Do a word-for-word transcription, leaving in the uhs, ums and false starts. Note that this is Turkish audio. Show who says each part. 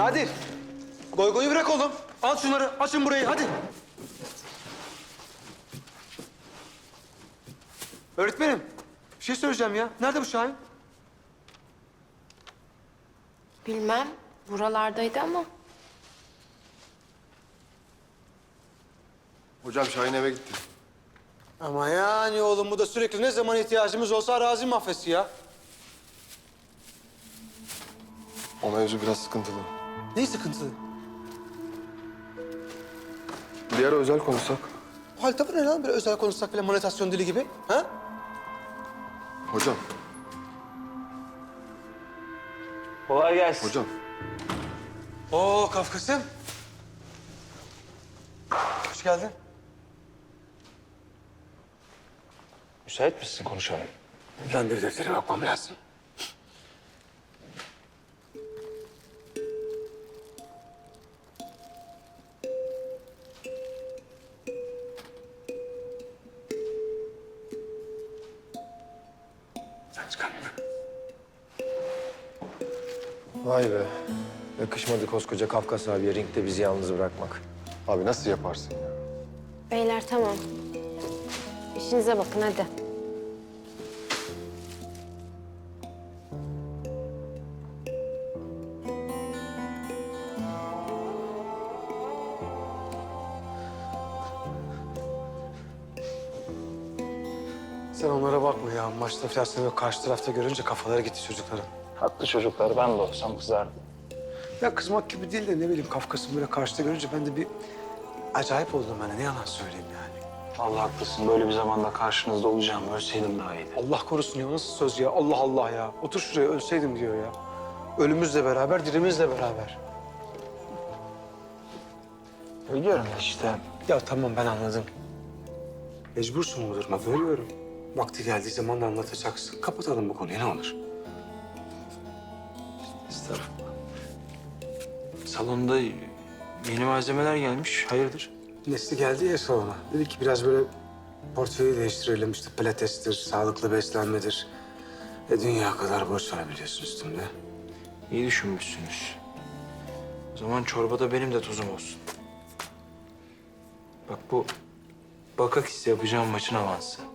Speaker 1: Nadir. Goy goyu bırak oğlum. Al şunları. Açın burayı hadi. Öğretmenim. Bir şey söyleyeceğim ya. Nerede bu Şahin?
Speaker 2: Bilmem. Buralardaydı ama.
Speaker 3: Hocam Şahin eve gitti.
Speaker 1: Ama yani oğlum bu da sürekli ne zaman ihtiyacımız olsa arazi mahvesi ya.
Speaker 3: O mevzu biraz sıkıntılı.
Speaker 1: Ne sıkıntı?
Speaker 3: Bir ara özel konuşsak.
Speaker 1: Bu hal tavır ne lan? Böyle özel konuşsak bile monetasyon dili gibi. Ha?
Speaker 3: Hocam,
Speaker 4: Kolay gelsin.
Speaker 3: hocam.
Speaker 1: Oo Kafkas'ım. Hoş geldin.
Speaker 4: Müsait misin konuşalım?
Speaker 1: Ben bir deftere bakmam lazım. Sen çıkar.
Speaker 5: Vay be. Yakışmadı koskoca Kafkas abiye ringde bizi yalnız bırakmak.
Speaker 3: Abi nasıl yaparsın ya?
Speaker 2: Beyler tamam. İşinize bakın hadi.
Speaker 1: Sen onlara bakma ya. Maçta falan seni böyle karşı tarafta görünce kafaları gitti çocukların.
Speaker 4: Haklı çocuklar. Ben de olsam kızardım.
Speaker 1: Ya kızmak gibi değil de ne bileyim Kafkas'ın böyle karşıda görünce ben de bir acayip oldum ben. Ne yalan söyleyeyim yani.
Speaker 4: Vallahi haklısın. Böyle bir zamanda karşınızda olacağım. Ölseydim daha iyiydi.
Speaker 1: Allah korusun ya nasıl söz ya? Allah Allah ya. Otur şuraya ölseydim diyor ya. Ölümüzle beraber, dirimizle beraber.
Speaker 4: Biliyorum ya işte.
Speaker 1: Ya tamam ben anladım. Mecbursun bu duruma görüyorum. Vakti geldiği zaman da anlatacaksın. Kapatalım bu konuyu ne olur.
Speaker 4: Estağfurullah. Salonda yeni malzemeler gelmiş. Hayırdır?
Speaker 1: Nesli geldi ya salona. Dedi ki biraz böyle portföyü değiştirelim. İşte pilatestir, sağlıklı beslenmedir. E dünya kadar borç var biliyorsun üstümde.
Speaker 4: İyi düşünmüşsünüz. O zaman çorbada benim de tuzum olsun. Bak bu Bakakis yapacağım maçın avansı.